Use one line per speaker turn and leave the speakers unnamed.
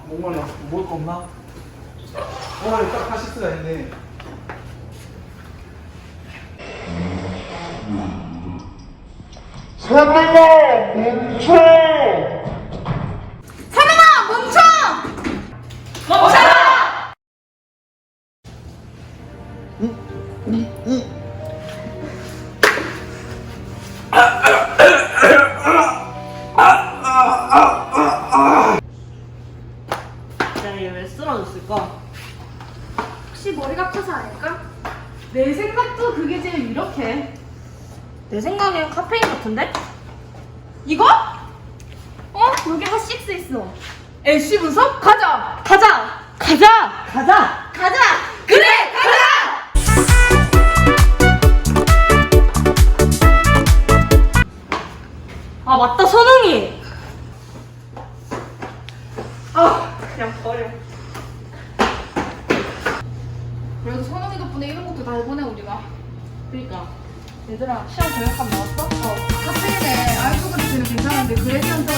목말라. 먹을 거 없나? 여기 딱 카시스가 있네.
사람아 멈춰!
사람아 멈춰! 멈춰라!
야, 얘 왜 쓰러졌을까?
혹시 머리가 커서 아닐까? 내 생각도 그게 제일 이렇게.
내 생각엔 카페인 같은데?
이거? 여기 핫식스 있어. LC 분석? 가자!
가자! 가자! 가자!
가자! 그래! 가자!
아, 맞다, 선웅이!
그냥 버려. 그래도 선웅이 덕분에 이런 것도 다 해보네 우리가.
그니까.
얘들아 시험 저녁값 나왔어? 카페인에 알코올 그리스는 괜찮은데 그레디언트